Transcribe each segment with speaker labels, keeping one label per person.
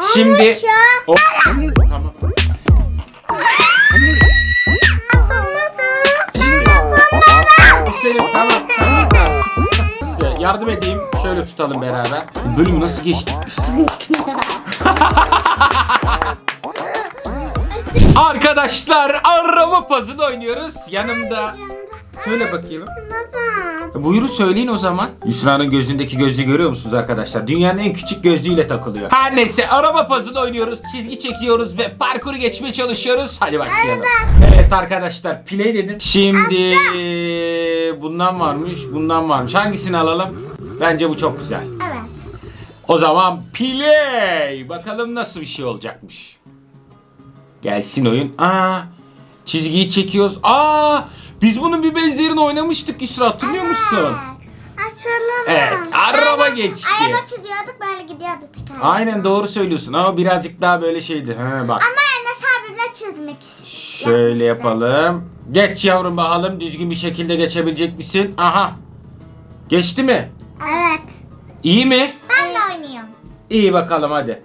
Speaker 1: Şimdi tamam. Selim tamam. Size yardım edeyim. Şöyle tutalım beraber. Bu bölümü nasıl geçtik biz? Arkadaşlar araba puzzle oynuyoruz. Yanımda. Söyle bakayım. Buyurun söyleyin o zaman. Yusra'nın gözündeki gözlüğü görüyor musunuz arkadaşlar? Dünyanın en küçük gözlüğüyle takılıyor. Her neyse araba puzzle oynuyoruz. Çizgi çekiyoruz ve parkuru geçmeye çalışıyoruz. Hadi başlayalım. Evet arkadaşlar play dedim. Şimdi bundan varmış, bundan varmış. Hangisini alalım? Bence bu çok güzel.
Speaker 2: Evet.
Speaker 1: O zaman play. Bakalım nasıl bir şey olacakmış. Gelsin oyun. Çizgiyi çekiyoruz. Biz bunun bir benzerini oynamıştık Yusra, hatırlıyor musun?
Speaker 2: Açalım.
Speaker 1: Evet, araba geçti.
Speaker 2: Araba çiziyorduk, böyle gidiyordu teker.
Speaker 1: Aynen doğru söylüyorsun ama birazcık daha böyle şeydi. Bak.
Speaker 2: Ama Enes abimle çizmek.
Speaker 1: Şöyle yapalım. Geç yavrum bakalım, düzgün bir şekilde geçebilecek misin? Aha. Geçti mi?
Speaker 2: Evet.
Speaker 1: İyi mi?
Speaker 2: Ben de oynuyorum.
Speaker 1: İyi bakalım hadi.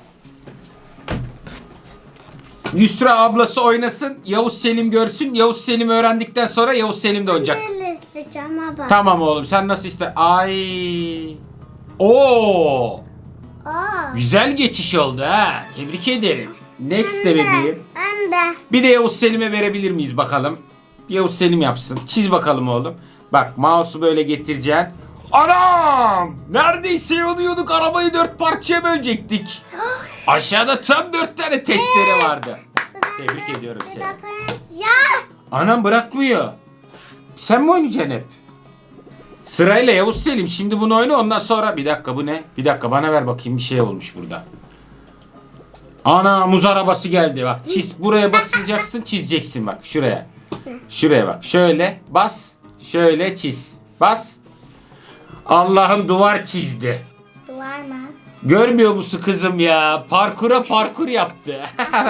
Speaker 1: Yusra ablası oynasın, Yavuz Selim görsün. Yavuz Selim öğrendikten sonra Yavuz Selim de oynayacak.
Speaker 2: Ben isteyeceğim ama.
Speaker 1: Tamam oğlum, sen nasıl iste? Ay. Oo. Güzel geçiş oldu ha. Tebrik ederim. Next de bebeğim.
Speaker 2: Ben de.
Speaker 1: Bir de Yavuz Selim'e verebilir miyiz bakalım? Yavuz Selim yapsın. Çiz bakalım oğlum. Bak mouse'u böyle getireceksin. Anam! Neredeyse yoluyorduk, arabayı 4 parçaya bölecektik. Aşağıda tam 4 tane testere vardı. Tebrik ediyorum seni.
Speaker 2: Ya.
Speaker 1: Anam bırakmıyor. Sen mi oynayacaksın hep? Sırayla Yavuz Selim. Şimdi bunu oyna, ondan sonra... Bir dakika, bu ne? Bir dakika, bana ver bakayım, bir şey olmuş burada. Ana, muz arabası geldi bak. Çiz, buraya basacaksın, çizeceksin bak şuraya. Şuraya bak, şöyle bas, şöyle çiz. Bas. Allah'ım duvar çizdi.
Speaker 2: Duvar mı?
Speaker 1: Görmüyor musun kızım ya? Parkur yaptı.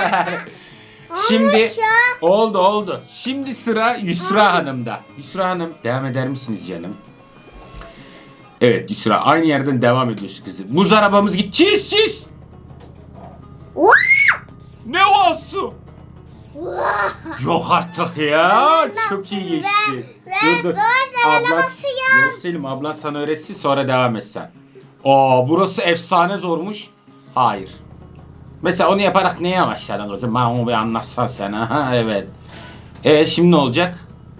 Speaker 1: Şimdi oldu. Şimdi sıra Yusra Hanım'da. Yusra Hanım devam eder misiniz canım? Evet Yusra, aynı yerden devam ediyorsun kızım. Muz arabamız git. Çiz. Ne olsun? Yok artık ya. Çok iyi geçti. Dur. Yok Selim, ablan sana öğretsin, sonra devam et sen. Burası efsane zormuş. Hayır. Mesela onu yaparak neye başladın kızım? Bana onu bir anlatsan sen. Aha, evet. Şimdi ne olacak?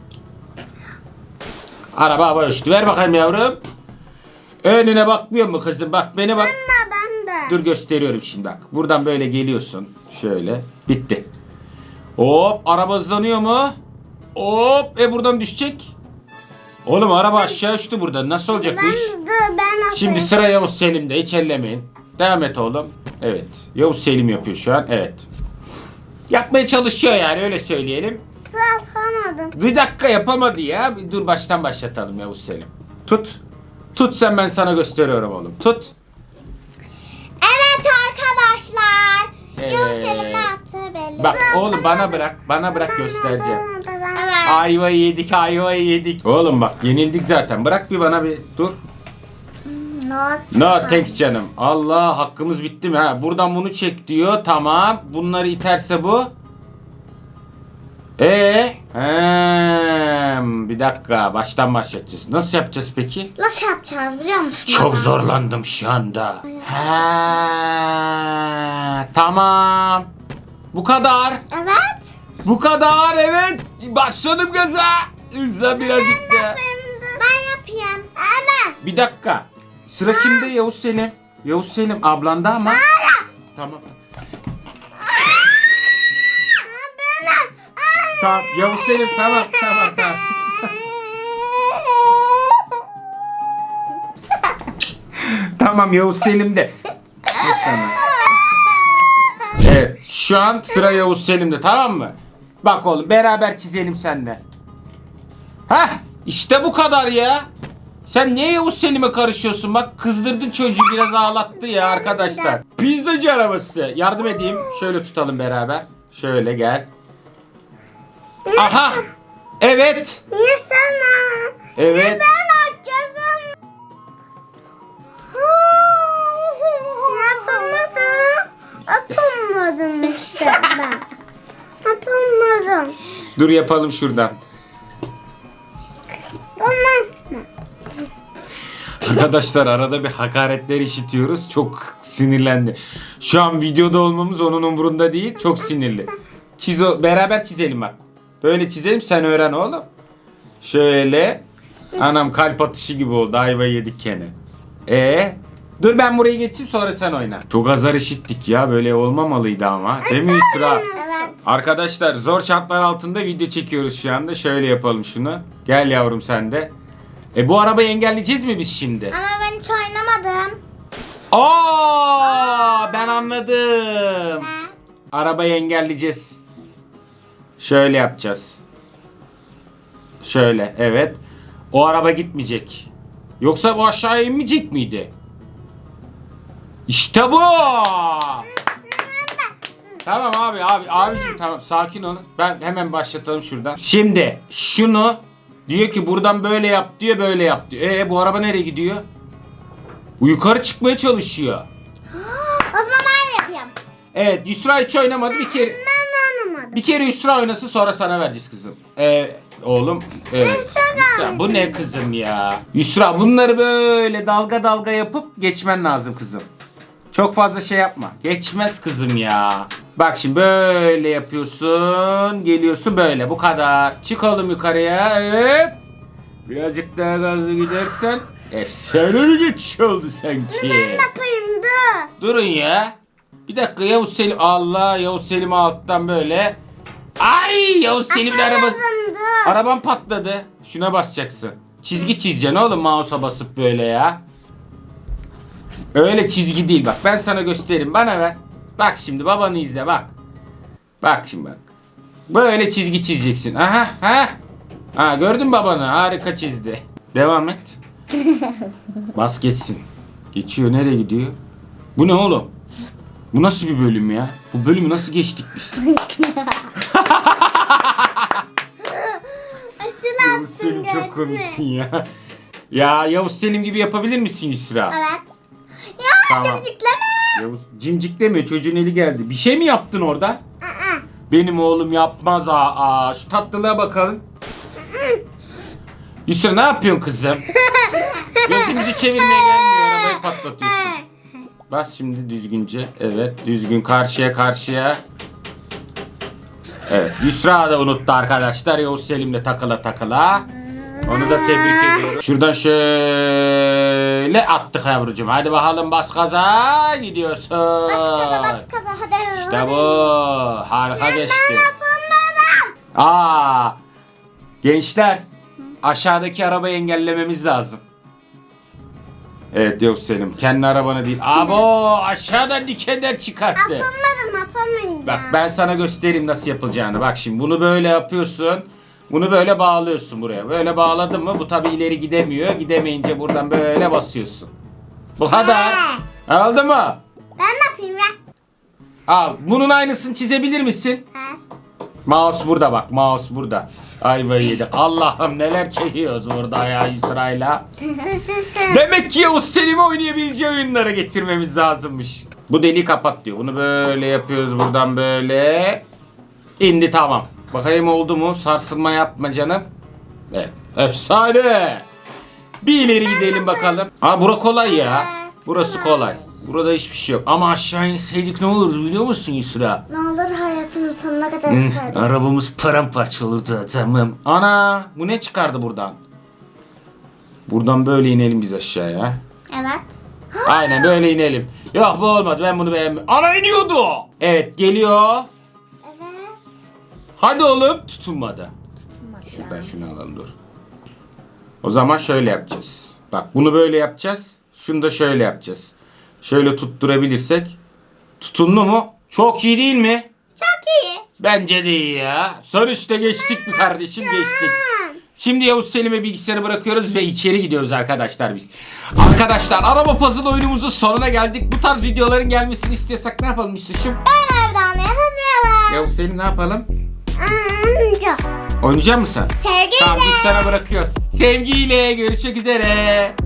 Speaker 1: Araba hava ölçtü. Ver bakayım yavrum. Önüne bakmıyor mu kızım? Bak beni bak.
Speaker 2: Ben de.
Speaker 1: Dur gösteriyorum şimdi bak. Buradan böyle geliyorsun. Şöyle. Bitti. Hop, araba hızlanıyor mu? Hop, buradan düşecek. Oğlum araba aşağı uçtu burada. Nasıl olacak bu iş?
Speaker 2: Ben
Speaker 1: Şimdi sıra Yavuz Selim'de. Hiç ellemeyin. Devam et oğlum. Evet. Yavuz Selim yapıyor şu an. Evet. Yapmaya çalışıyor yani, öyle söyleyelim.
Speaker 2: yapamadım.
Speaker 1: Bir dakika, yapamadı ya. Bir dur, baştan başlatalım Yavuz Selim. Tut. Tut sen, ben sana gösteriyorum oğlum. Tut.
Speaker 2: Evet arkadaşlar.
Speaker 1: Evet.
Speaker 2: Yavuz Selim ne yaptığı belli.
Speaker 1: Bak oğlum, bana bırak göstereceğim.
Speaker 2: Evet.
Speaker 1: Ayvayı yedik. Oğlum bak, yenildik zaten. Bırak bir bana bir dur. No thanks canım. Allah, hakkımız bitti mi ha? Buradan bunu çek diyor. Tamam. Bunları iterse bu. Bir dakika, baştan başlatacağız. Nasıl yapacağız peki?
Speaker 2: Nasıl yapacağız biliyor musun?
Speaker 1: Çok zorlandım şu anda. Tamam. Bu kadar.
Speaker 2: Evet.
Speaker 1: Bu kadar, evet. Başladım gaza. Hızla birazcık da.
Speaker 2: Ben yapayım. Ama.
Speaker 1: Bir dakika. Sıra kimde? Yavuz Selim. Yavuz Selim ablanda ama. Tamam. Tamam Yavuz Selim, tamam. Tamam Yavuz Selim'de. Evet, şu an sıra Yavuz Selim'de, tamam mı? Bak oğlum, beraber çizelim seninle. İşte bu kadar ya. Sen niye Yavuz Selim'e karışıyorsun? Bak kızdırdın çocuğu, biraz ağlattı ya arkadaşlar. Pizzacı arabası. Yardım edeyim. Şöyle tutalım beraber. Şöyle gel. Aha. Evet.
Speaker 2: Niye sana?
Speaker 1: Evet.
Speaker 2: Ben açacağım. Yapamadım. Yapamadım işte ben. Yapamadım.
Speaker 1: Dur yapalım şuradan.
Speaker 2: Sonra
Speaker 1: Arkadaşlar arada bir hakaretler işitiyoruz. Çok sinirlendi. Şu an videoda olmamız onun umurunda değil. Çok sinirli. Beraber çizelim bak. Böyle çizelim, sen öğren oğlum. Şöyle. Anam kalp atışı gibi oldu. Ayvayı yedik gene. Dur ben burayı geçeyim, sonra sen oyna. Çok azar işittik ya. Böyle olmamalıydı ama. Değil mi Yusra?
Speaker 2: evet.
Speaker 1: Arkadaşlar zor şartlar altında video çekiyoruz şu anda. Şöyle yapalım şunu. Gel yavrum sen de. Bu arabayı engelleyeceğiz mi biz şimdi?
Speaker 2: Ama ben hiç oynamadım.
Speaker 1: Ben anladım.
Speaker 2: Ne?
Speaker 1: Arabayı engelleyeceğiz. Şöyle yapacağız. Şöyle, evet. O araba gitmeyecek. Yoksa bu aşağıya inmeyecek miydi? İşte bu. Tamam abicim tamam, sakin olun. Ben hemen başlatalım şuradan. Şimdi şunu diyor ki buradan böyle yap diyor, böyle yap diyor. Bu araba nereye gidiyor? Bu yukarı çıkmaya çalışıyor.
Speaker 2: O zaman ben yapayım.
Speaker 1: Evet, Yusra hiç oynamadı bir kere.
Speaker 2: Ben oynamadım.
Speaker 1: Bir kere Yusra oynasın, sonra sana vereceğiz kızım. Oğlum. Evet. Yusra, bu ne kızım ya? Yusra, bunları böyle dalga dalga yapıp geçmen lazım kızım. Çok fazla şey yapma. Geçmez kızım ya. Bak şimdi böyle yapıyorsun. Geliyorsun böyle. Bu kadar. Çık oğlum yukarıya. Evet. Birazcık daha gazlı gidersen. Efsane bir geçiş oldu sanki.
Speaker 2: Ben yapayım dur.
Speaker 1: Durun ya. Bir dakika, Yavuz Selim. Allah, Yavuz Selim'i alttan böyle. Ay, Yavuz Selim'in arabası.
Speaker 2: Yapamadım dur.
Speaker 1: Araban patladı. Şuna basacaksın. Çizgi çizeceksin oğlum, mouse'a basıp böyle ya. Öyle çizgi değil bak. Ben sana göstereyim. Bana ver. Bak şimdi babanı izle bak. Bak şimdi bak. Böyle çizgi çizeceksin. Ha, gördün babanı. Harika çizdi. Devam et. Bas geçsin. Geçiyor, nereye gidiyor? Bu ne oğlum? Bu nasıl bir bölüm ya? Bu bölümü nasıl geçtik biz?
Speaker 2: Aşırı
Speaker 1: Yavuz Selim
Speaker 2: attım,
Speaker 1: çok
Speaker 2: gördün mü?
Speaker 1: komiksin ya. Ya Yavuz Selim gibi yapabilir misin Yusra?
Speaker 2: Evet. Ya
Speaker 1: Tamam.
Speaker 2: cimcikleme.
Speaker 1: Yavuz cimciklemiyor, çocuğun eli geldi. Bir şey mi yaptın orada?
Speaker 2: Aa.
Speaker 1: Benim oğlum yapmaz. Şu tatlılığa bakalım. Yusra ne yapıyorsun kızım? Gözümüzü çevirmeye gelmiyor, arabayı patlatıyorsun. Bas şimdi düzgünce. Evet, düzgün karşıya. Evet, Yusra da unuttu arkadaşlar. Yavuz Selim'le takıla. Onu da tebrik ediyorum. Şuradan şöyle attık yavrucuğum. Hadi bakalım, bas gaza, gidiyorsun.
Speaker 2: Bas kaza hadi.
Speaker 1: İşte bu. Harika geçti.
Speaker 2: Yapamadım.
Speaker 1: Gençler, aşağıdaki arabayı engellememiz lazım. Evet Yavuz Selim, kendi arabanı değil. Aşağıdan dikenler çıkarttı.
Speaker 2: Yapamayacağım.
Speaker 1: Bak ben sana göstereyim nasıl yapılacağını. Bak şimdi bunu böyle yapıyorsun. Bunu böyle bağlıyorsun buraya. Böyle bağladın mı bu tabi ileri gidemiyor. Gidemeyince buradan böyle basıyorsun. Bu kadar. Oldu mu?
Speaker 2: Ben ne yapayım ya?
Speaker 1: Al. Bunun aynısını çizebilir misin? Mouse burada bak. Mouse burada. Ayvayı yedik. Allah'ım neler çekiyoruz burada ya Yusra'yla. Demek ki Yavuz Selim'i oynayabileceği oyunlara getirmemiz lazımmış. Bu deliği kapat diyor. Bunu böyle yapıyoruz buradan böyle. İndi, tamam. Bakayım oldu mu? Sarsılma yapma canım. Evet. Efsane. Bir ileri gidelim bakalım. Bura kolay ya. Burası kolay. Burada hiçbir şey yok. Ama aşağı inseydik ne olurdu biliyor musun Yusra?
Speaker 2: Ne olur hayatımın sonuna kadar isterdim.
Speaker 1: Arabamız paramparça olurdu adamım. Ana, bu ne çıkardı buradan? Buradan böyle inelim biz aşağıya.
Speaker 2: Evet.
Speaker 1: Aynen böyle inelim. Yok bu olmadı, ben bunu beğenmedim. Ana, iniyordu. Evet, geliyor.
Speaker 2: Evet.
Speaker 1: Hadi oğlum, tutunmadı. Şuradan şunu alalım, dur. O zaman şöyle yapacağız. Bak bunu böyle yapacağız. Şunu da şöyle yapacağız. Şöyle tutturabilirsek. Tutundu mu? Çok iyi değil mi?
Speaker 2: Çok iyi.
Speaker 1: Bence de iyi ya. Sonuçta geçtik mi kardeşim? Geçtik. Şimdi Yavuz Selim'e bilgisayarı bırakıyoruz ve içeri gidiyoruz arkadaşlar biz. Arkadaşlar araba puzzle oyunumuzun sonuna geldik. Bu tarz videoların gelmesini istiyorsak ne yapalım Yusuf'cum?
Speaker 2: Ben evden yapamıyorum.
Speaker 1: Yavuz Selim ne yapalım?
Speaker 2: Çok.
Speaker 1: Oynayacak mısın?
Speaker 2: Sevgiyle.
Speaker 1: Tamam, biz sana bırakıyoruz. Sevgiyle görüşmek üzere.